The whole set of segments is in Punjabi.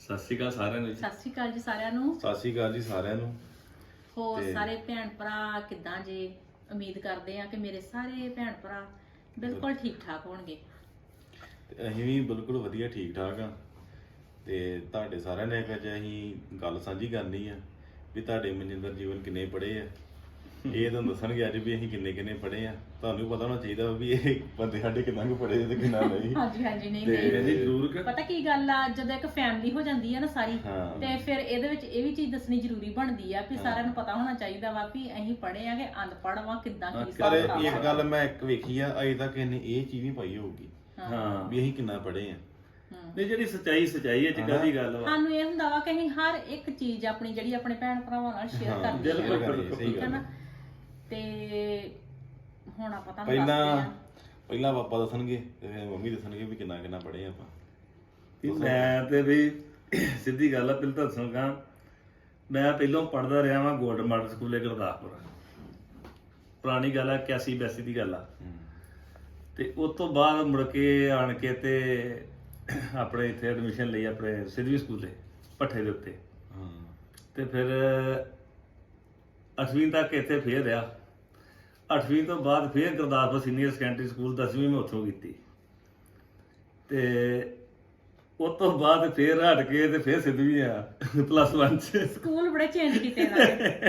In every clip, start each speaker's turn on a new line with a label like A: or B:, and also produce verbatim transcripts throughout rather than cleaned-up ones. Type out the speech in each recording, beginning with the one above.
A: ਸਤਿ ਸ਼੍ਰੀ ਅਕਾਲ ਸਾਰਿਆਂ ਨੂੰ ਜੀ।
B: ਸਤਿ ਸ਼੍ਰੀ ਅਕਾਲ ਜੀ ਸਾਰਿਆਂ ਨੂੰ।
C: ਸਤਿ ਸ਼੍ਰੀ ਅਕਾਲ ਜੀ ਸਾਰਿਆਂ ਨੂੰ।
B: ਹੋਰ ਸਾਰੇ ਭੈਣ ਭਰਾ ਕਿੱਦਾਂ ਜੀ? ਉਮੀਦ ਕਰਦੇ ਆ ਕਿ ਮੇਰੇ ਸਾਰੇ ਭੈਣ ਭਰਾ ਬਿਲਕੁਲ ਠੀਕ ਠਾਕ ਹੋਣਗੇ।
C: ਤੇ ਅਸੀਂ ਵੀ ਬਿਲਕੁਲ ਵਧੀਆ ਠੀਕ ਠਾਕ ਆ। ਤੇ ਤੁਹਾਡੇ ਸਾਰਿਆਂ ਨੇ ਅੱਜ ਅਸੀਂ ਗੱਲ ਸਾਂਝੀ ਕਰਨੀ ਆ ਵੀ ਤੁਹਾਡੇ ਮਨਜਿੰਦਰ ਜੀਵਨ ਕਿੰਨੇ ਪੜ੍ਹੇ ਆ। ਇਹ ਤੁਹਾਨੂੰ ਦੱਸਣਗੇ ਅੱਜ ਵੀ ਅਸੀਂ ਕਿੰਨੇ ਕਿੰਨੇ ਪੜ੍ਹੇ ਆ। ਤੁਹਾਨੂੰ ਪਤਾ ਹੋਣਾ ਚਾਹੀਦਾ ਵੀ ਇਹ ਬੰਦੇ ਸਾਡੇ ਕਿੰਨਾ ਕੁ ਪੜ੍ਹੇ ਤੇ ਕਿੰਨਾ ਨਹੀਂ।
B: ਹਾਂਜੀ ਹਾਂਜੀ ਨਹੀਂ
C: ਤੇ
B: ਨਹੀਂ
A: ਜ਼ਰੂਰ ਕਿ
B: ਪਤਾ ਕੀ ਗੱਲ ਆ, ਜਦੋਂ ਇੱਕ ਫੈਮਿਲੀ ਹੋ ਜਾਂਦੀ ਆ ਨਾ ਸਾਰੀ,
C: ਹਾਂ।
B: ਤੇ ਫਿਰ ਇਹਦੇ ਵਿੱਚ ਇਹ ਵੀ ਚੀਜ਼ ਦੱਸਣੀ ਜ਼ਰੂਰੀ ਬਣਦੀ ਆ ਵੀ
C: ਹਾਂ।
B: ਸਾਰਿਆਂ ਨੂੰ ਪਤਾ ਹੋਣਾ ਚਾਹੀਦਾ ਵਾ ਵੀ ਅਸੀਂ ਪੜ੍ਹੇ ਆ ਕਿ ਅਨਪੜ੍ਹ ਵਾਂ, ਕਿੱਦਾਂ ਕੀ
C: ਪਰ
B: ਹਿਸਾਬ ਕਿਤਾਬ
C: ਇੱਕ
B: ਆ।
C: ਗੱਲ ਮੈਂ ਇੱਕ ਵੇਖੀ ਆ, ਅਜੇ ਤੱਕ ਇਹਨੇ ਇਹ ਚੀਜ਼ ਨਹੀਂ ਪਾਈ ਹੋਊਗੀ
A: ਹਾਂ
C: ਵੀ ਅਸੀਂ ਕਿੰਨਾ ਪੜ੍ਹੇ ਆ।
B: ਹਮ।
A: ਨਹੀਂ ਜਿਹੜੀ ਸੱਚਾਈ ਸੱਚਾਈ ਹੈ ਚੰਗਾ ਦੀ ਗੱਲ ਵਾ।
B: ਸਾਨੂੰ ਇਹ ਹੁੰਦਾ ਵਾ ਕਿ ਅਸੀਂ ਹਰ ਇੱਕ ਚੀਜ਼ ਆਪਣੀ ਜਿਹੜੀ ਆਪਣੇ ਭੈਣ ਭਰਾਵਾਂ ਨਾਲ ਸ਼ੇਅਰ
C: ਹਾਂ,
B: ਕਰਨੀ
A: ਬਿਲਕੁਲ,
B: ਆ,
A: ਬਿਲਕੁਲ,
C: ਸਹੀ
B: ਠੀਕ ਹੈ
C: ਗੱਲ
B: ਨਾ।
C: ਆ।
B: ਤੇ ਹੁਣ ਆਪਾਂ ਤੁਹਾਨੂੰ
C: ਪਹਿਲਾਂ
B: ਦੱਸਦੇ ਆ।
C: ਪਹਿਲਾਂ ਪਾਪਾ ਦੱਸਣਗੇ ਤੇ ਫਿਰ ਮੰਮੀ ਦੱਸਣਗੇ ਵੀ ਕਿੰਨਾ ਕਿੰਨਾ ਪੜ੍ਹੇ ਆਪਾਂ।
A: ਵੀ ਮੈਂ ਤੇ ਵੀ ਸਿੱਧੀ ਗੱਲ ਆ, ਪਹਿਲਾਂ ਤਾਂ ਦੱਸਾਂਗਾ ਮੈਂ ਪਹਿਲਾਂ ਪੜ੍ਹਦਾ ਰਿਹਾ ਵਾਂ ਗੋਲਡ ਮਾਡਲ ਸਕੂਲੇ ਗੁਰਦਾਸਪੁਰ। ਪੁਰਾਣੀ ਗੱਲ ਆ, ਇਕਿਆਸੀ ਬਿਆਸੀ ਦੀ ਗੱਲ ਆ।
C: ਹਮ।
A: ਤੇ ਉਸ ਤੋਂ ਬਾਅਦ ਮੁੜ ਕੇ ਆਣ ਕੇ ਤੇ ਆਪਣੇ ਇੱਥੇ ਐਡਮਿਸ਼ਨ ਲਈ ਆਪਣੇ ਸਿੱਧਵੀਂ ਸਕੂਲੇ ਭੱਠੇ ਦੇ ਉੱਤੇ।
C: ਹਾਂ।
A: ਤੇ ਫਿਰ ਅੱਠਵੀਂ ਤੱਕ ਇੱਥੇ ਫੇਰ ਰਿਹਾ। ਅੱਠਵੀਂ ਤੋਂ ਬਾਅਦ ਫੇਰ ਗੁਰਦਾਸਪੁਰ ਸੀਨੀਅਰ ਸੈਕੰਡਰੀ ਸਕੂਲ ਦਸਵੀਂ ਮੈਂ ਉੱਥੋਂ ਕੀਤੀ। ਤੇ ਉਸ ਤੋਂ ਬਾਅਦ ਫੇਰ ਹਟ ਕੇ ਤੇ ਫੇਰ ਸਿੱਧਵੀਂ ਆ ਪਲੱਸ ਵਨ ਚ।
B: ਸਕੂਲ ਬੜੇ ਚੇਂਜ ਕੀਤੇ ਨਾ।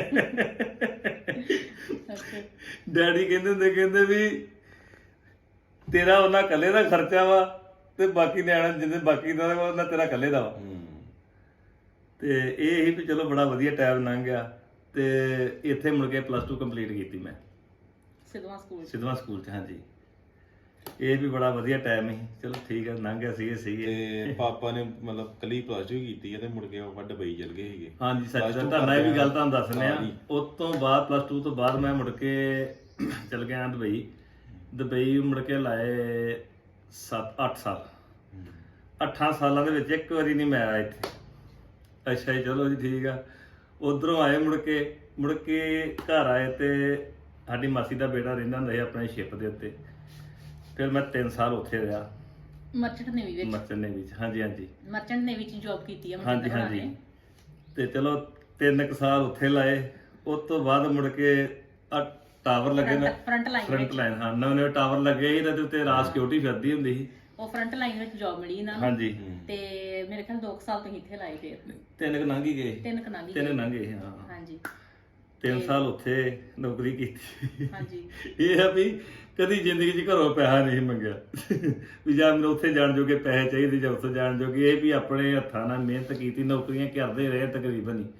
A: ਡੈਡੀ ਕਹਿੰਦੇ ਹੁੰਦੇ, ਕਹਿੰਦੇ ਵੀ ਤੇਰਾ ਉਹਨਾਂ ਇਕੱਲੇ ਦਾ ਖਰਚਾ ਵਾ ਤੇ ਬਾਕੀ ਨਿਆਣੇ ਜਿੰਨੇ ਬਾਕੀ ਦਾ ਵਾ ਉਹਨਾਂ ਤੇਰਾ ਇਕੱਲੇ ਦਾ ਵਾ।
C: ਹਮ।
A: ਤੇ ਇਹ ਹੀ ਵੀ ਚਲੋ ਬੜਾ ਵਧੀਆ ਟਾਈਮ ਲੰਘ ਗਿਆ। ਤੇ ਇੱਥੇ ਮੁੜ ਕੇ ਪਲੱਸ ਟੂ ਕੰਪਲੀਟ ਕੀਤੀ ਮੈਂ
B: ਸਿੱਧਵਾਂ ਸਕੂਲ ਚ।
A: ਸਿੱਧਵਾਂ ਸਕੂਲ ਚ। ਹਾਂਜੀ, ਇਹ ਵੀ ਬੜਾ ਵਧੀਆ ਟਾਈਮ ਸੀ। ਚਲੋ ਠੀਕ ਹੈ, ਲੰਘ ਗਿਆ ਸੀ ਇਹ ਸੀਗੇ।
C: ਤੇ ਪਾਪਾ ਨੇ ਮਤਲਬ ਕੱਲੀ ਪਲੱਸ ਟੂ ਕੀਤੀ ਹੈ ਤੇ ਮੁੜ ਕੇ ਉਹ ਦੁਬਈ ਚਲ ਗਏ ਸੀਗੇ।
A: ਹਾਂਜੀ ਸੱਚ
C: Plus
A: ਦਾ
C: two
A: ਤੁਹਾਨੂੰ ਇਹ ਵੀ ਗੱਲ ਤੁਹਾਨੂੰ
C: ਕਰਦਿਆਂ
A: ਦੱਸਨੇ ਆ।
C: ਨਾਲ ਹੀ।
A: ਉਸ ਤੋਂ ਬਾਅਦ ਪਲੱਸ ਟੂ ਤੋਂ ਬਾਅਦ ਮੈਂ ਮੁੜ ਕੇ ਚਲ ਗਿਆ ਦੁਬਈ। ਦੁਬਈ ਮੁੜ ਕੇ ਲਾਏ ਸੱਤ ਅੱਠ ਸਾਲ।
C: ਹਮ।
A: ਅੱਠਾਂ ਸਾਲਾਂ ਦੇ ਵਿੱਚ ਇੱਕ ਵਾਰੀ ਨਹੀਂ ਮੈਂ ਆਇਆ ਇੱਥੇ। ਅੱਛਾ ਜੀ, ਚਲੋ ਜੀ ਠੀਕ ਆ। ਉਧਰੋਂ ਆਏ ਮੁੜ ਕੇ ਮੁੜ ਕੇ ਘਰ ਆਏ ਤੇ ਸਾਡੀ ਮਾਸੀ ਦਾ ਬੇਟਾ ਰਹਿੰਦਾ ਹੁੰਦਾ ਸੀ ਆਪਣੇ ਸ਼ਿਪ ਦੇ ਉੱਤੇ। ਫਿਰ ਮੈਂ ਤਿੰਨ ਸਾਲ ਉੱਥੇ ਰਿਹਾ
B: ਮਰਚੈਂਟ ਨੇਵੀ ਵਿੱਚ।
A: ਮਰਚੈਂਟ ਨੇਵੀ ਵਿੱਚ। ਹਾਂਜੀ ਹਾਂਜੀ
B: ਮਰਚੈਂਟ ਨੇਵੀ ਚ ਜੌਬ ਕੀਤੀ ਆ
A: ਹਾਂਜੀ
B: ਮਨਜਿੰਦਰ ਹੋਣਾ
A: ਹਾਂਜੀ।
B: ਨੇ।
A: ਤੇ ਚਲੋ ਤਿੰਨ ਕੁ ਸਾਲ ਉੱਥੇ ਲਾਏ। ਉਸ ਤੋਂ ਬਾਅਦ ਮੁੜ ਕੇ ਆ ਟਾਵਰ ਲੱਗੇ ਨਾ
B: ਫਰੰਟ ਲਾਈਨ
A: ਫਰੰਟ
B: ਵਿੱਚ।
A: ਲਾਈਨ। ਹਾਂ, ਨਵੇਂ ਨਵੇਂ ਟਾਵਰ ਲੱਗੇ ਸੀ ਤੇ ਉੱਤੇ ਰਾਤ ਸਿਕਿਉਰਿਟੀ ਫਿਰਦੀ ਹੁੰਦੀ ਸੀ।
B: ਉਹ ਫਰੰਟ ਲਾਈਨ ਵਿੱਚ ਜੌਬ ਮਿਲੀ ਇਹਨਾਂ ਨੂੰ।
A: ਹਾਂਜੀ,
B: ਤੇ ਮੇਰੇ ਖਿਆਲ ਦੋ ਕੁ ਸਾਲ ਤੁਸੀਂ ਇੱਥੇ ਲਾਏ ਫੇਰ।
A: ਤਿੰਨ ਕੁ ਲੰਘ ਹੀ ਗਏ।
B: ਤਿੰਨ ਕਨਾਲੀ।
A: ਤਿੰਨ ਲੰਘੇ ਹਾਂ।
B: ਹਾਂਜੀ
A: ਤਿੰਨ ਸਾਲ ਉੱਥੇ ਨੌਕਰੀ ਕੀਤੀ।
B: ਹਾਂਜੀ।
A: ਇਹ ਆ ਵੀ ਕਦੀ ਜ਼ਿੰਦਗੀ 'ਚ ਘਰੋਂ ਪੈਸਾ ਨਹੀਂ ਮੰਗਿਆ ਵੀ ਜਾਂ ਮੈਨੂੰ ਉੱਥੇ ਜਾਣ ਜੋਗੇ ਪੈਸੇ ਚਾਹੀਦੇ ਜਾਂ ਉੱਥੇ ਜਾਣ ਜੋਗੇ। ਇਹ ਵੀ ਆਪਣੇ ਹੱਥਾਂ ਨਾਲ ਮਿਹਨਤ ਕੀਤੀ, ਨੌਕਰੀਆਂ ਕਰਦੇ ਰਹੇ ਤਕਰੀਬਨ ਹੀ।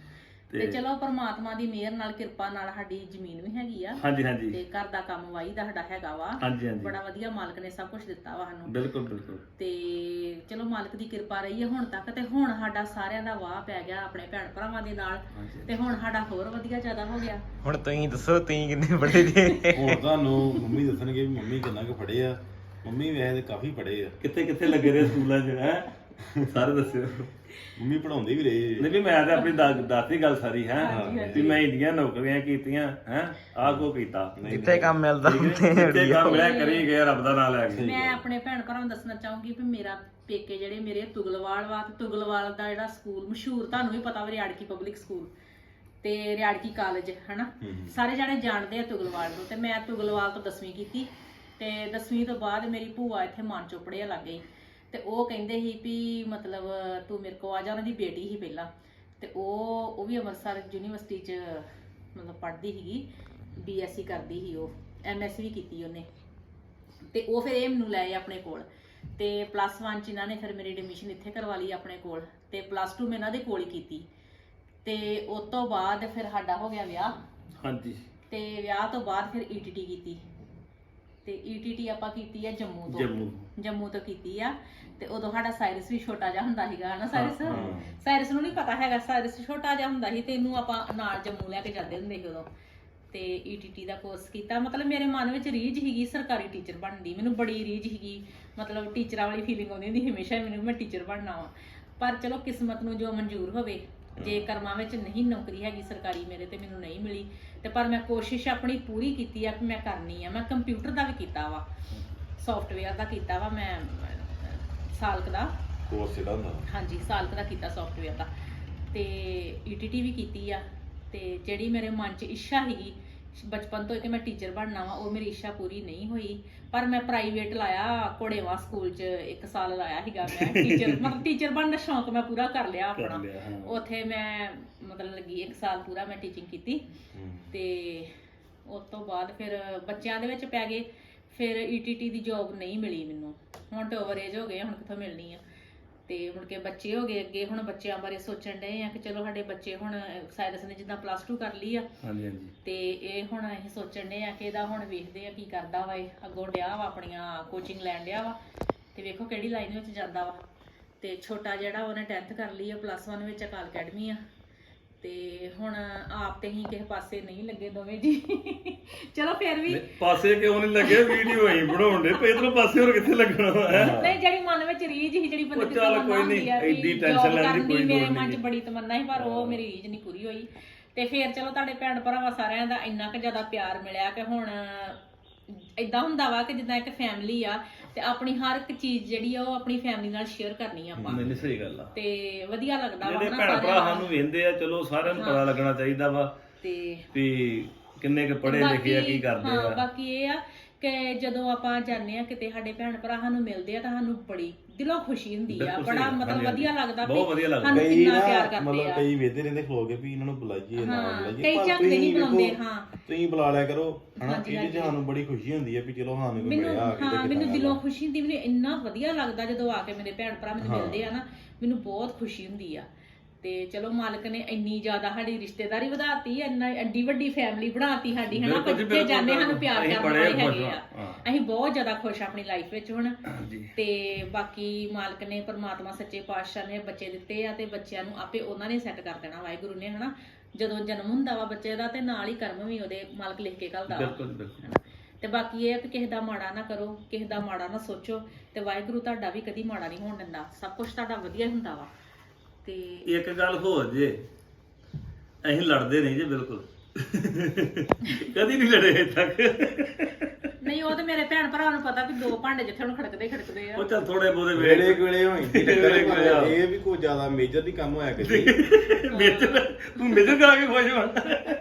B: ਤੇ ਚਲੋ ਪਰਮਾਤਮਾ ਦੀ ਮਿਹਰ ਨਾਲ ਕਿਰਪਾ ਨਾਲ ਸਾਡੀ ਜ਼ਮੀਨ ਵੀ ਹੈਗੀ ਆ।
A: ਹਾਂਜੀ ਹਾਂਜੀ
B: ਤੇ ਘਰ ਦਾ ਕੰਮ ਵਾਈ ਦਾ ਸਾਡਾ ਹੈਗਾ ਵਾ।
A: ਹਾਂਜੀ ਹਾਂਜੀ
B: ਬੜਾ ਵਧੀਆ ਮਾਲਕ ਨੇ ਸਭ ਕੁਝ ਦਿੱਤਾ ਵਾ ਸਾਨੂੰ।
A: ਬਿਲਕੁਲ ਬਿਲਕੁਲ।
B: ਤੇ ਚਲੋ ਮਾਲਕ ਦੀ ਕਿਰਪਾ ਰਹੀ ਹੈ ਹੁਣ ਤੱਕ। ਤੇ ਹੁਣ ਸਾਡਾ ਸਾਰਿਆਂ ਦਾ ਵਾਹ ਪੈ ਗਿਆ ਆਪਣੇ ਭੈਣ ਭਰਾਵਾਂ ਦੇ ਨਾਲ।
A: ਹਾਂਜੀ।
B: ਤੇ ਹੁਣ ਸਾਡਾ ਹੋਰ ਵਧੀਆ ਜ਼ਿਆਦਾ ਹੋ ਗਿਆ।
D: ਹੁਣ ਤੁਸੀਂ ਦੱਸੋ ਤੁਸੀਂ ਕਿੰਨੇ ਪੜ੍ਹੇ ਜੇ?
C: ਹੁਣ ਤੁਹਾਨੂੰ ਮੰਮੀ ਦੱਸਣਗੇ ਵੀ ਮੰਮੀ ਕਿੰਨਾ ਕੁ ਪੜ੍ਹੇ ਆ। ਮੰਮੀ ਵੈਸੇ ਤੇ ਕਾਫੀ ਪੜ੍ਹੇ ਆ।
A: ਕਿੱਥੇ ਕਿੱਥੇ ਲੱਗੇ ਰਹੇ ਸਕੂਲਾਂ 'ਚ ਹੈ ਸਾਰੇ ਦੱਸਿਓ।
C: ਮੰਮੀ ਪੜਾਉਂਦੇ ਵੀ ਰਹੇ।
A: ਨਹੀਂ ਵੀ ਮੈਂ ਤਾਂ ਆਪਣੀ ਦਾ- ਦਾਤੀ ਗੱਲ ਸਾਰੀ ਹੈ
B: ਹਾਂਜੀ, ਹਾਂਜੀ।
A: ਵੀ ਮੈਂ ਇੰਡੀਆਂ ਨੌਕਰੀਆਂ ਕੀਤੀਆਂ ਹੈ ਆਹ ਕੋ ਕੀਤਾ।
D: ਜਿੱਥੇ ਕੰਮ ਮਿਲਦਾ
A: ਠੀਕ
D: ਉੱਥੇ
A: ਹੈ? ਜਿੱਥੇ ਕੰਮ ਮਿਲਿਆ ਕਰੀ ਗਏ, ਰੱਬ ਦਾ ਨਾਮ ਲੈ ਕੇ।
B: ਮੈਂ ਆਪਣੇ ਭੈਣ ਭਰਾਵਾਂ ਨੂੰ ਦੱਸਣਾ ਚਾਹੂੰਗੀ ਵੀ ਮੇਰਾ ਪੇਕੇ ਜਿਹੜੇ ਮੇਰੇ ਤੁਗਲਵਾਲ ਵਾ। ਤੇ ਤੁਗਲਵਾਲ ਦਾ ਜਿਹੜਾ ਸਕੂਲ ਮਸ਼ਹੂਰ ਤੁਹਾਨੂੰ ਵੀ ਪਤਾ ਵਾ, ਰਿਆੜਕੀ ਪਬਲਿਕ ਸਕੂਲ ਤੇ ਰਿਆੜਕੀ ਕਾਲਜ ਹਨਾ। ਸਾਰੇ ਜਾਣੇ ਜਾਣਦੇ ਆ ਤੁਗਲਵਾਲ ਨੂੰ। ਤੇ ਮੈਂ ਤੁਗਲਵਾਲ ਤੋਂ ਦਸਵੀਂ ਕੀਤੀ। ਤੇ ਦਸਵੀਂ ਤੋਂ ਬਾਅਦ ਮੇਰੀ ਭੂਆ ਇੱਥੇ ਮਾਨ ਚੋਪੜੇ ਲੱਗ ਗਈ। ਤੇ ਉਹ ਕਹਿੰਦੇ ਸੀ ਵੀ ਮਤਲਬ ਤੂੰ ਮੇਰੇ ਕੋਲ ਆ ਜਾ। ਉਹਨਾਂ ਦੀ ਬੇਟੀ ਸੀ ਪਹਿਲਾਂ। ਤੇ ਉਹ ਉਹ ਵੀ ਅੰਮ੍ਰਿਤਸਰ ਯੂਨੀਵਰਸਿਟੀ 'ਚ ਮਤਲਬ ਪੜ੍ਹਦੀ ਸੀਗੀ, ਬੀ ਐਸ ਸੀ ਕਰਦੀ ਸੀ। ਉਹ ਐਮ ਐਸ ਸੀ ਵੀ ਕੀਤੀ ਉਹਨੇ। ਤੇ ਉਹ ਫਿਰ ਇਹ ਮੈਨੂੰ ਲੈ ਆਏ ਆਪਣੇ ਕੋਲ। ਤੇ ਪਲੱਸ ਵਨ 'ਚ ਇਹਨਾਂ ਨੇ ਫਿਰ ਮੇਰੀ ਐਡਮਿਸ਼ਨ ਇੱਥੇ ਕਰਵਾ ਲਈ ਆਪਣੇ ਕੋਲ। ਤੇ ਪਲੱਸ ਟੂ ਮੈਂ ਇਹਨਾਂ ਦੇ ਕੋਲ ਹੀ ਕੀਤੀ। ਤੇ ਉਸ ਤੋਂ ਬਾਅਦ ਫਿਰ ਸਾਡਾ ਹੋ ਗਿਆ ਵਿਆਹ।
A: ਹਾਂਜੀ।
B: ਤੇ ਵਿਆਹ ਤੋਂ ਬਾਅਦ ਫਿਰ ਈ ਟੀ ਟੀ ਕੀਤੀ। ਤੇ ਈ ਟੀ ਟੀ ਆਪਾਂ ਕੀਤੀ ਆ ਜੰਮੂ ਤੋਂ।
A: ਜੰਮੂ
B: ਜੰਮੂ ਤੋਂ ਕੀਤੀ ਆ। ਤੇ ਉਦੋਂ ਸਾਡਾ ਸਾਇਰਸ ਵੀ ਛੋਟਾ ਜਿਹਾ ਹੁੰਦਾ ਸੀਗਾ ਹਨਾ। ਸਾਇਰਸ
A: ਹਾਂ।
B: ਸਾਇਰਸ ਨੂੰ ਨਹੀਂ ਪਤਾ ਹੈਗਾ। ਸਾਇਰਸ ਛੋਟਾ ਜਿਹਾ ਹੁੰਦਾ ਸੀ ਤੇ ਇਹਨੂੰ ਆਪਾਂ ਨਾਲ ਜੰਮੂ ਲੈ ਕੇ ਜਾਂਦੇ ਹੁੰਦੇ ਸੀ ਉਦੋਂ। ਤੇ ਈ ਟੀ ਟੀ ਦਾ ਕੋਰਸ ਕੀਤਾ। ਮਤਲਬ ਮੇਰੇ ਮਨ ਵਿੱਚ ਰੀਝ ਸੀਗੀ ਸਰਕਾਰੀ ਟੀਚਰ ਬਣਨ ਦੀ। ਮੈਨੂੰ ਬੜੀ ਰੀਝ ਸੀਗੀ। ਮਤਲਬ ਟੀਚਰਾਂ ਵਾਲੀ ਫੀਲਿੰਗ ਆਉਂਦੀ ਹੁੰਦੀ ਹਮੇਸ਼ਾ ਮੈਨੂੰ ਮੈਂ ਟੀਚਰ ਬਣਨਾ ਵਾ। ਪਰ ਚਲੋ ਕਿਸਮਤ ਨੂੰ ਜੋ ਮਨਜ਼ੂਰ ਹੋਵੇ। ਜੇ ਕਰਮਾਂ ਵਿੱਚ ਨਹੀਂ ਨੌਕਰੀ ਹੈਗੀ ਸਰਕਾਰੀ ਮੇਰੇ ਤੇ ਮੈਨੂੰ ਨਹੀਂ ਮਿਲੀ। ਤੇ ਪਰ ਮੈਂ ਕੋਸ਼ਿਸ਼ ਆਪਣੀ ਪੂਰੀ ਕੀਤੀ ਆ ਕਿ ਮੈਂ ਕਰਨੀ ਆ। ਮੈਂ ਕੰਪਿਊਟਰ ਦਾ ਵੀ ਕੀਤਾ ਵਾ, ਸੌਫਟਵੇਅਰ ਦਾ ਕੀਤਾ ਵਾ ਮੈਂ ਸਾਲ ਕੁ ਦਾ।
C: ਕੋਰਸ ਜਿਹੜਾ ਹੁੰਦਾ
B: ਹਾਂਜੀ ਸਾਲ ਕੁ ਦਾ ਕੀਤਾ ਸੌਫਟਵੇਅਰ ਦਾ ਤੇ ਈਟੀਟੀ ਵੀ ਕੀਤੀ ਆ ਤੇ ਜਿਹੜੀ ਮੇਰੇ ਮਨ 'ਚ ਇੱਛਾ ਸੀਗੀ ਬਚਪਨ ਤੋਂ ਕਿ ਮੈਂ ਟੀਚਰ ਬਣਨਾ ਵਾ ਉਹ ਮੇਰੀ ਇੱਛਾ ਪੂਰੀ ਨਹੀਂ ਹੋਈ ਪਰ ਮੈਂ ਪ੍ਰਾਈਵੇਟ ਲਾਇਆ ਕੋੜੇਵਾ ਸਕੂਲ 'ਚ ਇੱਕ ਸਾਲ ਲਾਇਆ ਸੀਗਾ ਮੈਂ ਟੀਚਰ ਮਤਲਬ ਟੀਚਰ ਬਣਨ ਦਾ ਸ਼ੌਂਕ ਮੈਂ ਪੂਰਾ ਕਰ ਲਿਆ ਆਪਣਾ ਉੱਥੇ ਮੈਂ ਮਤਲਬ ਲੱਗੀ ਇੱਕ ਸਾਲ ਪੂਰਾ ਮੈਂ ਟੀਚਿੰਗ ਕੀਤੀ ਤੇ ਉਸ ਤੋਂ ਬਾਅਦ ਫਿਰ ਬੱਚਿਆਂ ਦੇ ਵਿੱਚ ਪੈ ਗਏ ਫਿਰ ਈਟੀਟੀ ਦੀ ਜੌਬ ਨਹੀਂ ਮਿਲੀ ਮੈਨੂੰ ਹੁਣ ਤੇ ਓਵਰ ਏਜ ਹੋ ਗਏ ਹੁਣ ਕਿੱਥੋਂ ਮਿਲਣੀ ਆ ਤੇ ਮੁੜ ਕੇ ਬੱਚੇ ਹੋ ਗਏ ਅੱਗੇ ਹੁਣ ਬੱਚਿਆਂ ਬਾਰੇ ਸੋਚਣ ਡਏ ਆ ਕਿ ਚਲੋ ਸਾਡੇ ਬੱਚੇ ਹੁਣ ਸਾਇਰਸ ਨੇ ਜਿੱਦਾਂ ਪਲੱਸ ਟੂ ਕਰ ਲਈ ਆ
A: ਹਾਂਜੀ ਹਾਂਜੀ
B: ਤੇ ਇਹ ਹੁਣ ਅਸੀਂ ਸੋਚਣ ਡਏ ਆ ਕਿ ਇਹਦਾ ਹੁਣ ਵੇਖਦੇ ਆ ਕੀ ਕਰਦਾ ਵਾ ਇਹ ਅੱਗੋਂ ਡਿਆ ਵਾ ਆਪਣੀਆਂ ਕੋਚਿੰਗ ਲੈਣ ਡਿਆ ਵਾ ਤੇ ਵੇਖੋ ਕਿਹੜੀ ਲਾਈਨ ਵਿੱਚ ਜਾਂਦਾ ਵਾ ਤੇ ਛੋਟਾ ਜਿਹੜਾ ਉਹਨੇ ਟੈਂਥ ਕਰ ਲਈ ਆ ਪਲੱਸ ਵਨ ਵਿੱਚ ਅਕਾਲ ਅਕੈਡਮੀ ਆ ਤੇ ਹੁਣ ਆਪ ਤੇ ਹੀ ਕਿਸੇ ਪਾਸੇ ਨਹੀਂ ਲੱਗੇ ਦੋਵੇਂ ਜੀ ਚਲੋ ਫਿਰ ਵੀ
A: ਪਾਸੇ ਕਿਉਂ ਨਹੀਂ ਲੱਗੇ ਵੀਡੀਓ ਹੀ ਬਣਾਉਣ ਦੇ ਪੇ ਇਧਰੋਂ ਪਾਸੇ ਹੋਰ ਕਿੱਥੇ ਲੱਗਣਾ ਹੈ
B: ਨਹੀਂ ਜਿਹੜੀ ਮਨ ਵਿੱਚ ਰੀਝ ਸੀ ਜਿਹੜੀ ਬੰਦੇ ਦੀ
A: ਚੱਲ
B: ਤਮੰਨਾ
A: ਕੋਈ
B: ਹੁੰਦੀ
A: ਨਹੀਂ,
B: ਆ ਵੀ
A: ਐਡੀ ਟੈਨਸ਼ਨ
B: job
A: ਲੈਣ ਦੀ
B: ਕਰਨ
A: ਕੋਈ
B: ਮੇਰੇ
A: ਲੋੜ
B: ਮਨ 'ਚ
A: ਨਹੀਂ।
B: ਬੜੀ ਤਮੰਨਾ ਸੀ ਪਰ ਉਹ ਮੇਰੀ ਰੀਝ ਨਹੀਂ ਪੂਰੀ ਹੋਈ ਤੇ ਫਿਰ ਚਲੋ ਤੁਹਾਡੇ ਭੈਣ ਭਰਾਵਾਂ ਸਾਰਿਆਂ ਦਾ ਇੰਨਾ ਕੁ ਜ਼ਿਆਦਾ ਪਿਆਰ ਮਿਲਿਆ ਕਿ ਹੁਣ ਇਦਾਂ ਹੁੰਦਾ ਵਾ ਕਿ ਜਿੱਦਾਂ ਇੱਕ ਫੈਮਿਲੀ ਆ ਤੇ ਆਪਣੀ ਹਰ ਇੱਕ ਚੀਜ਼ ਜਿਹੜੀ ਆ ਉਹ ਆਪਣੀ ਫੈਮਿਲੀ ਨਾਲ ਸ਼ੇਅਰ ਕਰਨੀ ਆ ਆਪਾਂ
A: ਮੈਨੂੰ ਸਹੀ ਗੱਲ ਆ
B: ਤੇ ਵਧੀਆ ਲੱਗਦਾ ਵਾ
A: ਜਿਹੜੇ
B: ਨਾ
A: ਭੈਣ ਭਰਾ
B: ਸਾਰਿਆਂ
A: ਸਾਨੂੰ ਵੇਂਦੇ ਆ ਚਲੋ ਸਾਰਿਆਂ ਨੂੰ ਪਤਾ ਲੱਗਣਾ ਚਾਹੀਦਾ ਵਾ
B: ਤੇ
A: ਵੀ ਕਿੰਨੇ ਕੁ ਪੜ੍ਹੇ ਲਿਖੇ ਆ ਕੀ ਕਰਦੇ
B: ਹਾਂ
A: ਆ
B: ਬਾਕੀ ਇਹ ਆ ਕਿ ਜਦੋਂ ਆਪਾਂ ਜਾਂਦੇ ਆ ਕਿਤੇ ਸਾਡੇ ਭੈਣ ਭਰਾ ਸਾਨੂੰ ਮਿਲਦੇ ਆ ਤਾਂ ਸਾਨੂੰ ਬੜੀ ਦਿਲੋਂ ਖੁਸ਼ੀ ਹੁੰਦੀ ਆ
A: ਬਿਲਕੁਲ
B: ਬੜਾ
A: ਸਹੀ,
B: ਮਤਲਬ
A: ਹਾਂਜੀ,
B: ਵਧੀਆ ਲੱਗਦਾ ਵੀ
A: ਬਹੁਤ ਵਧੀਆ ਲੱਗਦਾ।
B: ਸਾਨੂੰ
C: ਕਈ
B: ਕਿੰਨਾ
C: ਨਾ
B: ਪਿਆਰ ਕਰਦੇ
C: ਮਤਲਬ
B: ਆ
C: ਕਈ ਵੇਖਦੇ ਰਹਿੰਦੇ ਖਲੋ ਕੇ ਵੀ ਇਹਨਾਂ ਨੂੰ ਬੁਲਾਈਏ ਨਾ
B: ਹਾਂ,
C: ਬੁਲਾਈਏ
B: ਕਈ
C: ਪਰ
B: ਝੱਕਦੇ ਨਹੀਂ
C: ਤੁਸੀਂ
B: ਬੁਲਾਉਂਦੇ,
C: ਵੇਖੋ,
B: ਹਾਂ।
C: ਤੁਸੀਂ ਬੁਲਾ ਲਿਆ ਕਰੋ ਹਨਾ
B: ਹਾਂਜੀ,
C: ਇਹਦੇ 'ਚ
B: ਹਾਂਜੀ।
C: ਸਾਨੂੰ ਬੜੀ ਖੁਸ਼ੀ ਹੁੰਦੀ ਹੈ ਵੀ ਚਲੋ ਸਾਨੂੰ ਕੋਈ
B: ਮੈਨੂੰ
C: ਮਿਲਿਆ ਆ ਕੇ
B: ਹਾਂ
C: ਤੇ
B: ਮੈਨੂੰ
C: ਕਿੱਦਾਂ
B: ਦਿਲੋਂ
C: ਦਾ।
B: ਖੁਸ਼ੀ ਹੁੰਦੀ ਮੈਨੂੰ ਇੰਨਾ ਵਧੀਆ ਲੱਗਦਾ ਜਦੋਂ ਆ ਕੇ ਮੇਰੇ ਭੈਣ ਭਰਾ ਮੈਨੂੰ ਮਿਲਦੇ ਆ ਨਾ ਮੈਨੂੰ ਬਹੁਤ ਖੁਸ਼ੀ ਹੁੰਦੀ ਆ ਤੇ ਚਲੋ ਮਾਲਕ ਨੇ ਇੰਨੀ ਜ਼ਿਆਦਾ ਸਾਡੀ ਰਿਸ਼ਤੇਦਾਰੀ ਵਧਾਤੀ ਇੰਨਾ ਐਡੀ ਵੱਡੀ ਫੈਮਿਲੀ ਬਣਾਤੀ ਸਾਡੀ ਹਨਾ
A: ਬਿਲਕੁਲ ਜੀ,
B: ਬੱਚੇ
A: ਬਿਲਕੁਲ,
B: ਜਾਂਦੇ ਸਾਨੂੰ ਪਿਆਰ
A: ਅਸੀਂ
B: ਕਰਨ
A: ਬੜੇ
B: ਵਾਲੇ
A: ਖੁਸ਼
B: ਹੈਗੇ ਆ
A: ਹਾਂ।
B: ਅਸੀਂ ਬਹੁਤ ਜ਼ਿਆਦਾ ਖੁਸ਼ ਆ ਆਪਣੀ ਲਾਈਫ ਵਿੱਚ ਹੁਣ
A: ਹਾਂਜੀ
B: ਤੇ ਬਾਕੀ ਮਾਲਕ ਨੇ ਪਰਮਾਤਮਾ ਸੱਚੇ ਪਾਤਸ਼ਾਹ ਨੇ ਬੱਚੇ ਦਿੱਤੇ ਆ ਤੇ ਬੱਚਿਆਂ ਨੂੰ ਆਪੇ ਉਹਨਾਂ ਨੇ ਸੈੱਟ ਕਰ ਦੇਣਾ ਵਾਹਿਗੁਰੂ ਨੇ ਹਨਾ ਜਦੋਂ ਜਨਮ ਹੁੰਦਾ ਵਾ ਬੱਚੇ ਦਾ ਤੇ ਨਾਲ ਹੀ ਕਰਮ ਵੀ ਉਹਦੇ ਮਾਲਕ ਲਿਖ ਕੇ ਘੱਲਦਾ ਵਾ
A: ਬਿਲਕੁਲ ਬਿਲਕੁਲ
B: ਹਨਾ। ਤੇ ਬਾਕੀ ਇਹ ਆ ਕਿ ਕਿਸੇ ਦਾ ਮਾੜਾ ਨਾ ਕਰੋ ਕਿਸੇ ਦਾ ਮਾੜਾ ਨਾ ਸੋਚੋ ਤੇ ਵਾਹਿਗੁਰੂ ਤੁਹਾਡਾ ਵੀ ਕਦੀ ਮਾੜਾ ਨਹੀਂ ਹੋਣ ਦਿੰਦਾ ਸਭ ਕੁਝ ਤੁਹਾਡਾ ਵਧੀਆ ਹੁੰਦਾ ਵਾ ਤੇ
A: ਇੱਕ ਗੱਲ ਹੋਰ ਜੇ ਅਸੀਂ ਲੜਦੇ ਨਹੀਂ ਜੇ ਬਿਲਕੁਲ ਕਦੀ ਨਹੀਂ ਲੜੇ ਅਜੇ ਤੱਕ
B: ਨਹੀਂ ਉਹ ਤੇ ਮੇਰੇ ਭੈਣ ਭਰਾ ਨੂੰ ਪਤਾ ਵੀ ਦੋ ਭਾਂਡੇ ਜਿੱਥੇ ਹੁਣ ਖੜਕਦੇ ਖੜਕਦੇ ਆ
A: ਉਹ ਚੱਲ ਥੋੜੇ ਬੋਦੇ
C: ਵੇਲੇ ਵੇਲੇ ਹੋਈ ਸੀ ਟੱਕਰ
A: ਵੇਲੇ ਵੇਲੇ ਆ।
C: ਇਹ ਵੀ ਕੋਈ ਜ਼ਿਆਦਾ ਮੇਜਰ ਨਹੀਂ ਕੰਮ ਹੋਇਆ ਕਿਸੇ
A: ਮੇਜਰ ਤੂੰ ਮੇਜਰ ਕਰਾ ਕੇ ਖੁਸ਼ ਹੋਣ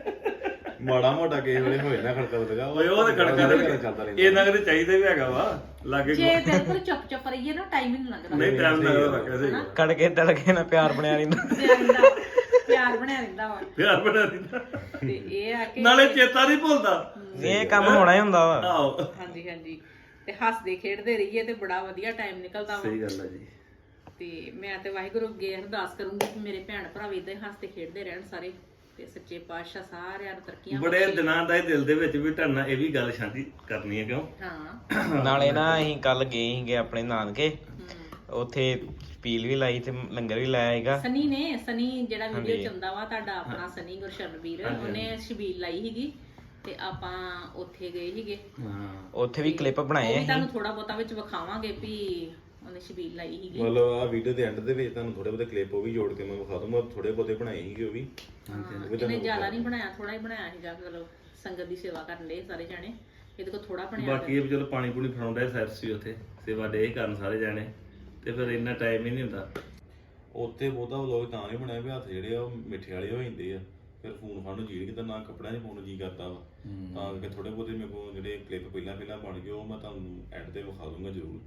C: ਮਾੜਾ ਮੋਟਾ ਕਿਸੇ ਵੇਲੇ ਹੋਏ ਨਾ ਖੜਕਾ ਲਗਾ
A: ਓਏ ਉਹ ਤੇ ਖੜਕਾ
C: ਚੱਲਦਾ
A: ਦੇ
C: ਰਹਿੰਦਾ
A: ਇਹ ਨਗਰ ਚਾਹੀਦਾ ਵੀ ਹੈਗਾ ਵਾ ਲਾਗੇ
B: ਜੇ ਬਿਲਕੁਲ ਚੁੱਪ ਚੁੱਪ ਰਹੀਏ ਨਾ ਟਾਈਮ ਹੀ ਨਹੀਂ ਲੱਗਦਾ
A: ਨਹੀਂ ਟਾਈਮ ਲੱਗਦਾ ਕੈਸੇ
D: ਕੜਕੇ ਤੜਕੇ ਨਾਲ ਪਿਆਰ ਬਣਿਆ ਰਹਿੰਦਾ
B: ਪਿਆਰ ਰਹਿੰਦਾ- ਪਿਆਰ ਬਣਿਆ ਰਹਿੰਦਾ ਵਾ
A: ਪਿਆਰ ਬਣਾ ਦਿੰਦਾ
B: ਤੇ ਇਹ ਆ ਕਿ
A: ਨਾਲੇ ਚੇਤਾ ਨਹੀਂ ਭੁੱਲਦਾ
D: ਇਹ ਕੰਮ ਹੋਣਾ ਹੀ ਹੁੰਦਾ ਵਾ
A: ਆਹੋ
B: ਹਾਂਜੀ ਹਾਂਜੀ ਤੇ ਹੱਸਦੇ ਖੇਡਦੇ ਰਹੀਏ ਤੇ ਬੜਾ ਵਧੀਆ ਟਾਈਮ ਨਿਕਲਦਾ ਵਾ
A: ਸਹੀ ਗੱਲ ਹੈ ਜੀ
B: ਤੇ ਮੈਂ ਤੇ ਵਾਹਿਗੁਰੂ ਅੱਗੇ ਅਰਦਾਸ ਕਰੂੰਗੀ ਕਿ ਮੇਰੇ ਭੈਣ ਭਰਾ ਵੀ ਇਦਾਂ ਹੀ ਹੱਸਦੇ ਖੇਡਦੇ ਰਹਿਣ ਸਾਰੇ ਤੇ ਸੱਚੇ ਪਾਤਸ਼ਾਹ ਸਾਰਿਆਂ ਨੂੰ ਤਰੱਕੀਆਂ
A: ਬੜੇ
B: ਬਖਸ਼ੇ।
A: ਦਿਨਾਂ ਦਾ ਇਹ ਦਿਲ ਦੇ ਵਿੱਚ ਵੀ ਢਰਨਾ ਇਹ ਵੀ ਗੱਲ ਸ਼ਾਂਤੀ ਕਰਨੀ ਹੈ ਕਿਉਂ
B: ਹਾਂ
D: ਨਾਲੇ ਨਾ ਅਸੀਂ ਕੱਲ ਗਏ ਸੀਗੇ ਆਪਣੇ ਨਾਨਕੇ
B: ਹਮ।
D: ਉੱਥੇ ਪੀਲ ਵੀ ਲਾਈ ਤੇ ਲੰਗਰ ਵੀ ਲਾਇਆ ਹੈਗਾ
B: ਸਨੀ ਨੇ ਸਨੀ ਜਿਹੜਾ ਵੀਡੀਓ
D: ਹਾਂਜੀ।
B: ਚੰਦਾ ਵਾ ਤੁਹਾਡਾ ਆਪਣਾ ਸਨੀ ਗੁਰਸ਼ਰਨਵੀਰ ਉਹਨੇ ਛਬੀਲ ਲਾਈ ਸੀਗੀ ਤੇ ਆਪਾਂ ਉੱਥੇ ਗਏ ਸੀਗੇ
A: ਹਾਂ
D: ਉੱਥੇ ਵੀ ਕਲਿੱਪ ਬਣਾਏ
B: ਉਹ ਵੀ
D: ਅਸੀਂ
B: ਤੁਹਾਨੂੰ ਥੋੜਾ ਬਹੁਤਾ ਵਿੱਚ ਵਿਖਾਵਾਂਗੇ ਵੀ ਉਹਨੇ ਛਬੀਲ ਲਾਈ ਸੀਗੀ
C: ਮਤਲਬ ਆ ਵੀਡੀਓ ਦੇ ਐਂਡ ਦੇ ਵਿੱਚ ਤੁਹਾਨੂੰ ਥੋੜੇ ਬਹੁਤੇ ਕਲਿੱਪ ਉਹ ਵੀ ਜੋੜ ਕੇ ਮੈਂ ਵਿਖਾ ਦੂੰਗਾ ਥੋੜੇ ਬਹੁਤੇ ਬਣਾਏ ਸੀਗੇ ਉਹ ਵੀ
B: ਹਾਂ, ਇਹਨੇ ਜ਼ਿਆਦਾ ਨਹੀਂ ਬਣਾਇਆ ਥੋੜਾ ਹੀ ਬਣਾਇਆ ਸੀਗਾ ਮਤਲਬ ਸੰਗਤ ਦੀ ਸੇਵਾ ਕਰਨ ਦੇ ਸਾਰੇ ਜਾਣੇ ਇਹਦੇ ਕੋਲ ਥੋੜਾ ਬਣਿਆ
A: ਬਾਕੀ ਇਹ ਵੀ ਚਲੋ ਪਾਣੀ ਪੂਣੀ ਫੜਾਉਂਦਾ ਸੈਰਸ ਵੀ ਉੱਥੇ ਸੇਵਾ ਡੇ ਕਰਨ ਸਾਰੇ ਜਾਣੇ ਤੇ ਫਿਰ ਇੰਨਾ ਟਾਈਮ ਹੀ ਨਹੀਂ ਹੁੰਦਾ
C: ਉੱਥੇ ਬਹੁਤਾ ਵਲੋਗ ਤਾਂ ਨਹੀਂ ਬਣਿਆ ਵੀ ਹੱਥ ਜਿਹੜੇ ਆ ਉਹ ਮਿੱਠੇ ਵਾਲੇ ਹੋ ਜਾਂਦੇ ਆ ਫਿਰ ਫੋਨ ਫੜਨ ਨੂੰ ਜੀ ਕਿਤੇ ਨਾ ਕੱਪੜਿਆਂ 'ਚ ਫੋਨ ਜੀ ਕਰਦਾ ਵਾ ਤਾਂ ਕਰਕੇ ਥੋੜੇ ਬਹੁਤੇ ਮੇਰੇ ਕੋਲ ਜਿਹੜੇ ਕਲਿੱਪ ਪਹਿਲਾਂ ਪਹਿਲਾਂ ਬਣ ਗਏ ਉਹ ਮੈਂ ਤੁਹਾਨੂੰ ਐਡ ਤੇ ਵਿਖਾ ਦੂੰਗਾ ਜ਼ਰੂਰ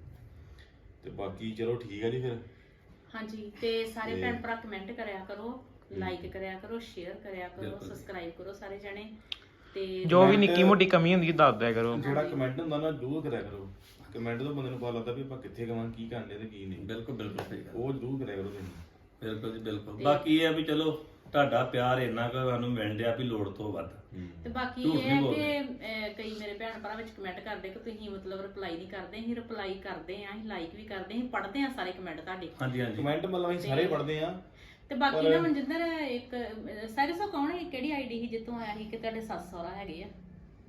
C: ਤੇ ਬਾਕੀ ਚਲੋ ਠੀਕ ਹੈ ਜੀ ਫਿਰ
B: ਹਾਂਜੀ ਤੇ ਸਾਰੇ ਭੈਣ ਭਰਾ ਕਮੈਂਟ ਕਰਿਆ ਕਰੋ ਲਾਈਕ ਕਰਿਆ ਕਰੋ ਸ਼ੇਅਰ ਕਰਿਆ ਕਰੋ ਸਬਸਕ੍ਰਾਈਬ ਕਰੋ ਸਾਰੇ ਜਣੇ ਤੇ
D: ਜੋ ਵੀ ਨਿੱਕੀ ਮੋਟੀ ਕਮੀ ਹੁੰਦੀ ਦੱਸ ਦਿਆ ਕਰੋ
C: ਜਿਹੜਾ ਕਮੈਂਟ ਹੁੰਦਾ ਨਾ ਜ਼ਰੂਰ ਕਰਿਆ ਕਰੋ ਕਮੈਂਟ ਤੋਂ ਬੰਦੇ ਨੂੰ ਪਤਾ ਲੱਗਦਾ ਵੀ ਆਪਾਂ ਕਿੱਥੇ ਗਵਾਂ ਕੀ ਕਰਨੇ ਤੇ ਕੀ ਨਹੀਂ
A: ਬਿਲਕੁਲ ਬਿਲਕੁਲ ਸਹੀ ਗੱਲ
C: ਉਹ ਜ਼ਰੂਰ ਕਰਿਆ ਕਰੋ ਤੁਸੀਂ
A: ਬਿਲਕੁਲ ਜੀ ਬਿਲਕੁਲ ਬਾਕੀ ਇਹ ਆ ਵੀ ਚਲੋ ਤੁਹਾਡਾ ਪਿਆਰ ਇੰਨਾ ਕੁ ਸਾਨੂੰ ਮਿਲ ਰਿਹਾ ਵੀ ਲੋੜ ਤੋਂ ਵੱਧ
B: ਤੇ ਬਾਕੀ
A: ਝੂਠ
B: ਇਹ
A: ਨਹੀਂ
B: ਹੈ
A: ਬੋਲਦੇ।
B: ਕਿ ਅਹ, ਕਈ ਮੇਰੇ ਭੈਣ ਭਰਾ ਵਿੱਚ ਕਮੈਂਟ ਕਰਦੇ ਕਿ ਤੁਸੀਂ ਮਤਲਬ ਰਿਪਲਾਈ ਨਹੀਂ ਕਰਦੇ ਅਸੀਂ ਰਿਪਲਾਈ ਕਰਦੇ ਆਂ ਅਸੀਂ ਲਾਈਕ ਵੀ ਕਰਦੇ ਆਂ ਅਸੀਂ ਪੜ੍ਹਦੇ ਆਂ ਸਾਰੇ ਕਮੈਂਟ ਤੁਹਾਡੇ
A: ਹਾਂਜੀ ਹਾਂਜੀ
C: ਕਮੈਂਟ ਮਤਲਬ ਅਸੀਂ ਸਾਰੇ ਪੜ੍ਹਦੇ ਆ
B: ਤੇ ਬਾਕੀ ਨਾ ਮਨਜਿੰਦਰ ਇੱਕ ਸਾਰੇ ਸੋ ਕੌਣ ਹੈ ਕਿਹੜੀ ਆਈਡੀ ਸੀ ਜਿੱਥੋਂ ਆਇਆ ਸੀ ਕਿ ਤੁਹਾਡੇ ਸੱਸ ਸਹੁਰਾ ਹੈਗੇ ਆ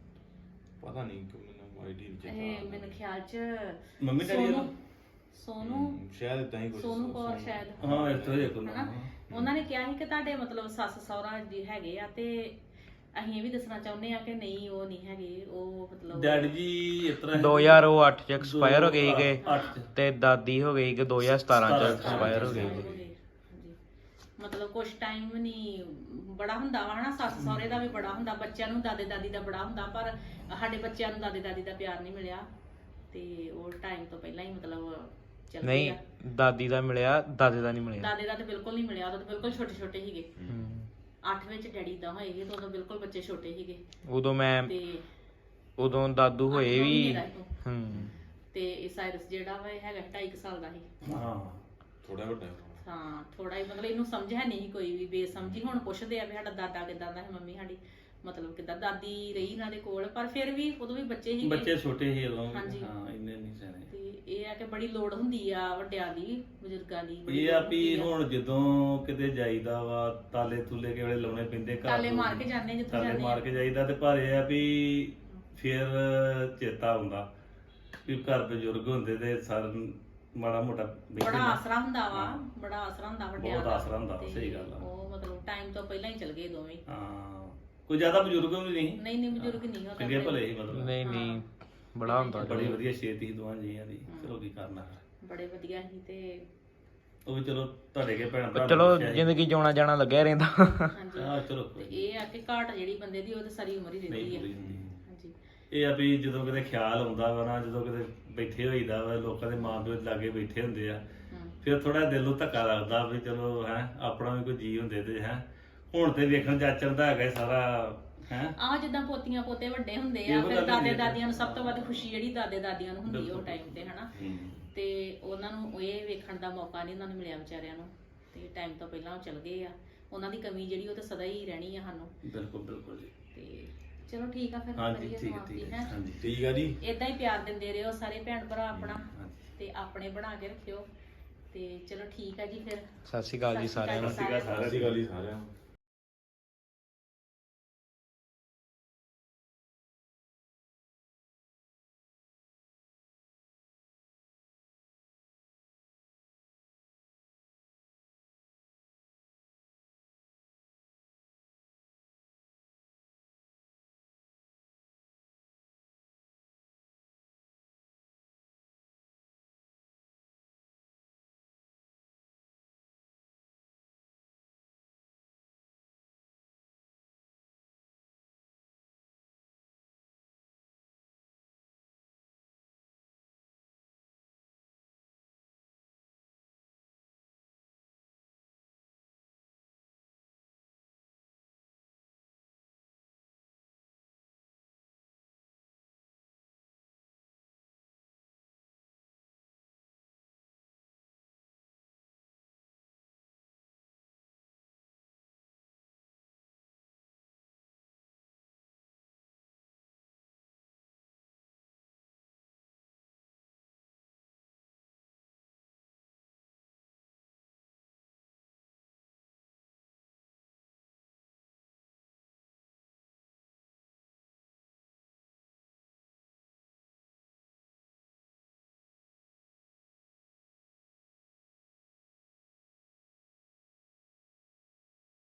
C: ਪਤਾ ਨਹੀਂ ਕਿ ਮੈਨੂੰ ਆਈਡੀ
B: ਇਹ
C: ਨਹੀਂ
B: ਮੈਨੂੰ ਖਿਆਲ ਚ
A: ਮੰਮੀ ਡੈਡੀ
B: ਸੋਨੂ
A: ਨੂੰ?
B: ਸੋਨੂ
C: ਸ਼ਾਇਦ ਇਦਾਂ ਹੀ ਕੁਝ
B: ਸੋਨੂ ਕੌਰ ਸ਼ਾਇਦ
A: ਹਾਂ ਇਸ ਤੋਂ ਹੀ ਇੱਕ
B: ਹਨਾ ਉਹਨਾਂ ਨੇ ਕਿਹਾ ਸੀ ਕਿ ਤੁਹਾਡੇ ਮਤਲਬ ਸੱਸ ਸਹੁਰਾ ਜੀ ਹੈਗੇ ਆ ਤੇ ਅਸੀਂ ਇਹ ਵੀ ਦੱਸਣਾ ਚਾਹੁੰਦੇ ਆ ਕਿ ਨਹੀਂ ਉਹ ਨਹੀਂ ਹੈਗੇ, ਉਹ ਮਤਲਬ
A: ਡੈਡੀ ਜੀ ਇਸ ਤਰ੍ਹਾਂ
D: ਦੋ ਹਜ਼ਾਰ ਅੱਠ ਚ ਐਕਸਪਾਇਰ ਹੋ ਗਏ ਸੀਗੇ
A: ਅੱਠ ਚ।
D: ਤੇ ਦਾਦੀ ਹੋ ਗਈ ਕਿ ਦੋ ਹਜ਼ਾਰ ਸਤਾਰਾਂ ਚ
A: ਸਤਾਰਾਂ
D: ਐਕਸਪਾਇਰ ਹੋ ਗਏ
B: ਹੋ ਗਏ। ਹਾਂਜੀ। ਮਤਲਬ ਕੁਝ ਟਾਈਮ ਨਹੀਂ ਬੜਾ ਹੁੰਦਾ ਵਾ ਹਨਾ, ਸੱਸ ਸਹੁਰੇ ਦਾ ਵੀ ਬੜਾ ਹੁੰਦਾ, ਬੱਚਿਆਂ ਨੂੰ ਦਾਦੇ ਦਾਦੀ ਦਾ ਬੜਾ ਹੁੰਦਾ, ਪਰ ਸਾਡੇ ਬੱਚਿਆਂ ਨੂੰ ਦਾਦੇ ਦਾਦੀ ਦਾ ਪਿਆਰ ਨਹੀਂ ਮਿਲਿਆ ਤੇ ਉਹ ਟਾਈਮ ਤੋਂ ਪਹਿਲਾਂ ਹੀ ਮਤਲਬ ਚੱਲ
D: ਨਹੀਂ
B: ਗਿਆ।
D: ਦਾਦੀ ਦਾ ਮਿਲਿਆ, ਦਾਦੇ ਦਾ ਨਹੀਂ ਮਿਲਿਆ।
B: ਦਾਦੇ ਦਾ ਤੇ ਬਿਲਕੁਲ ਨਹੀਂ ਮਿਲਿਆ, ਉਦੋਂ ਤਾਂ ਬਿਲਕੁਲ ਛੋਟੇ ਛੋਟੇ ਸੀਗੇ।
D: ਹੂੰ।
B: ਅੱਠ ਵਿੱਚ ਡੈਡੀ ਦਾ ਹੋਏ ਸੀ ਤੇ ਉਦੋਂ ਬਿਲਕੁਲ ਬੱਚੇ ਛੋਟੇ ਸੀਗੇ
D: ਉਦੋਂ ਮੈਂ
B: ਤੇ
D: ਉਦੋਂ ਦਾਦੂ ਹੋਏ
B: ਅੱਠ ਨੌਂ
D: ਵੀ
B: ਮਹੀਨੇ ਦਾ ਸੀ ਉਹ।
D: ਹੂੰ
B: ਤੇ ਇਹ ਸਾਇਰਸ ਜਿਹੜਾ ਵਾ ਇਹ ਹੈਗਾ ਢਾਈ ਕੁ ਸਾਲ ਦਾ ਸੀ।
A: ਹਾਂ
C: ਥੋੜਾ ਵੱਡਾ
B: ਹਾਂ ਥੋੜਾ ਹੀ ਮਤਲਬ ਇਹਨੂੰ ਸਮਝ ਹੈ ਨਹੀਂ ਸੀ ਕੋਈ ਵੀ, ਬੇਸਮਝੀ। ਹੁਣ ਪੁੱਛਦੇ ਆ ਵੀ ਸਾਡਾ ਦਾਦਾ ਕਿਦਾਂ ਦਾ ਸੀ, ਮੰਮੀ ਸਾਡੀ ਮਤਲਬ ਕਿਦਾਂ, ਦਾਦੀ ਰਹੀ ਇਹਨਾਂ ਦੇ ਕੋਲ, ਪਰ ਫਿਰ ਵੀ ਉਦੋਂ ਵੀ ਬੱਚੇ ਸੀਗੇ।
A: ਬੱਚੇ ਛੋਟੇ ਸੀ ਉਦੋਂ
B: ਹਾਂਜੀ।
A: ਹਾਂ ਇੰਨੇ ਨਹੀਂ ਸਿਆਣੇ।
B: ਤੇ ਇਹ ਆ ਕਿ ਬੜੀ ਲੋੜ ਹੁੰਦੀ ਆ ਵੱਡਿਆਂ ਦੀ, ਬਜ਼ੁਰਗਾਂ ਦੀ ਬੜੀ
A: ਇਹ ਆ
B: ਲੋੜ
A: ਵੀ
B: ਹੁੰਦੀ ਆ।
A: ਹੁਣ ਜਦੋਂ ਕਿਤੇ ਜਾਈਦਾ ਵਾ ਤਾਲੇ ਤੁਲੇ ਕਿਹੜੇ ਲਾਉਣੇ ਪੈਂਦੇ ਘਰ
B: ਤਾਲੇ
A: ਤੋਂ।
B: ਮਾਰ ਕੇ ਜਾਂਦੇ ਜਿੱਥੇ
A: ਤਾਲੇ
B: ਜਾਂਦੇ
A: ਮਾਰ
B: ਆ।
A: ਕੇ ਜਾਈਦਾ ਤੇ ਪਰ ਇਹ ਆ ਵੀ ਫਿਰ ਚੇਤਾ ਆਉਂਦਾ ਵੀ ਘਰ ਬਜ਼ੁਰਗ ਹੁੰਦੇ ਤੇ ਸਰ ਮਾੜਾ ਮੋਟਾ ਬੈਠੇ
B: ਬੜਾ
A: ਨਾ।
B: ਆਸਰਾ ਹੁੰਦਾ ਵਾ,
A: ਹਾਂ।
B: ਬੜਾ ਆਸਰਾ ਹੁੰਦਾ ਵੱਡਿਆਂ
A: ਬਹੁਤ
B: ਦਾ।
A: ਆਸਰਾ ਹੁੰਦਾ,
B: ਤੇ
A: ਸਹੀ ਗੱਲ ਆ।
B: ਉਹ ਮਤਲਬ ਟਾਈਮ ਤੋਂ ਪਹਿਲਾਂ ਹੀ ਚਲ ਗਏ ਦੋਵੇਂ।
A: ਹਾਂ ਕੋਈ ਜ਼ਿਆਦਾ ਬਜ਼ੁਰਗ ਵੀ ਨਹੀਂ
B: ਨਹੀਂ ਨਹੀਂ ਬਜ਼ੁਰਗ ਨਹੀਂ ਹੋ
A: ਚੰਗੇ ਭਲੇ ਹੀ ਮਤਲਬ
D: ਨਹੀਂ ਨਹੀਂ ਬੜਾ ਹੁੰਦਾ
A: ਬੜੀ ਵਧੀਆ ਛੇਤੀ ਸੀ ਦੋਵਾਂ ਜੀਆਂ ਦੀ। ਚਲੋ ਕੀ ਕਰਨਾ ਫਿਰ।
B: ਬੜੇ ਵਧੀਆ ਸੀ ਤੇ
A: ਉਹ ਵੀ ਚਲੋ ਤੁਹਾਡੇ ਕੇ ਭੈਣ ਭਰਾ ਨੇ
D: ਚਲੋ
A: ਪੁੱਛਿਆ ਸੀ।
D: ਜ਼ਿੰਦਗੀ ਜਿਉਣਾ ਜਾਣਾ ਲੱਗਿਆ ਰਹਿੰਦਾ।
B: ਹਾਂਜੀ
A: ਹਾਂ ਚਲੋ
B: ਤੇ
A: ਕੋਈ
B: ਇਹ ਆ ਕਿ ਘਾਟ ਜਿਹੜੀ ਬੰਦੇ ਦੀ ਉਹ ਤੇ ਸਾਰੀ ਉਮਰ ਹੀ
A: ਨਹੀਂ
B: ਰਹਿੰਦੀ
A: ਪੂਰੀ
B: ਹੈ।
A: ਹੁੰਦੀ।
B: ਹਾਂਜੀ
A: ਇਹ ਆ ਵੀ ਜਦੋਂ ਕਿਤੇ ਖਿਆਲ ਆਉਂਦਾ ਵਾ ਨਾ, ਜਦੋਂ ਕਿਤੇ ਬੈਠੇ ਹੋਈਦਾ ਵਾ, ਲੋਕਾਂ ਦੇ ਮਾਂ ਪਿਓ ਲਾਗੇ ਬੈਠੇ ਹੁੰਦੇ ਆ,
B: ਹਮ।
A: ਫਿਰ ਥੋੜਾ ਦਿਲ ਨੂੰ ਧੱਕਾ ਲੱਗਦਾ ਵੀ ਚਲੋ ਹੈ ਆਪਣਾ ਵੀ ਕੋਈ ਜੀ ਹੁੰਦੇ ਤੇ ਹੈ। ਹੁਣ ਤੇ ਵੇਖਣ ਜਾਚਣ ਦਾ ਹੈਗਾ ਇਹ ਸਾਰਾ ਹੈ।
B: ਆਹ ਜਿੱਦਾਂ ਪੋਤੀਆਂ ਪੋਤੇ ਵੱਡੇ ਹੁੰਦੇ ਆ,
A: ਇਹੋ
B: ਫਿਰ
A: ਗੱਲ
B: ਦਾਦੇ
A: ਹੁੰਦੀ ਆ।
B: ਦਾਦੀਆਂ ਨੂੰ ਸਭ ਤੋਂ ਵੱਧ ਖੁਸ਼ੀ ਜਿਹੜੀ ਦਾਦੇ ਦਾਦੀਆਂ ਨੂੰ ਹੁੰਦੀ ਆ ਉਹ ਟਾਈਮ ਤੇ ਹਨਾ। ਤੇ ਉਹਨਾਂ ਨੂੰ ਇਹ ਵੇਖਣ ਦਾ ਮੌਕਾ ਨਹੀਂ ਉਹਨਾਂ ਨੂੰ ਮਿਲਿਆ ਵਿਚਾਰਿਆਂ ਨੂੰ, ਤੇ ਟਾਈਮ ਤੋਂ ਪਹਿਲਾਂ ਉਹ ਚਲ ਗਏ ਆ। ਉਹਨਾਂ ਦੀ ਕਮੀ ਜਿਹੜੀ ਉਹ ਤਾਂ ਸਦਾ ਹੀ ਰਹਿਣੀ ਆ ਸਾਨੂੰ।
A: ਬਿਲਕੁਲ ਬਿਲਕੁਲ ਜੀ।
B: ਤੇ ਚਲੋ ਠੀਕ ਆ ਫਿਰ
A: ਹਾਂਜੀ
B: ਕਰੀਏ
A: ਠੀਕ ਹੈ
B: ਸਮਾਪਤੀ
A: ਠੀਕ
B: ਹੈ।
A: ਹੈ ਹਾਂਜੀ
C: ਠੀਕ ਆ ਜੀ।
B: ਇਦਾਂ ਹੀ ਪਿਆਰ ਦਿੰਦੇ ਰਹੋ ਸਾਰੇ ਭੈਣ ਭਰਾ ਆਪਣਾ,
A: ਹਾਂਜੀ।
B: ਤੇ ਆਪਣੇ ਬਣਾ ਕੇ ਰੱਖਿਓ। ਤੇ ਚਲੋ ਠੀਕ ਆ ਜੀ ਫਿਰ।
D: ਸਤਿ ਸ਼੍ਰੀ ਅਕਾਲ ਜੀ
B: ਸਤਿ ਸ਼੍ਰੀ
D: ਸਾਰਿਆਂ ਨੂੰ।
B: ਅਕਾਲ
A: ਸਤਿ ਸ਼੍ਰੀ ਅਕਾਲ
C: ਸਤਿ ਸ਼੍ਰੀ ਅਕਾਲ ਜੀ ਸਾਰਿਆਂ ਨੂੰ।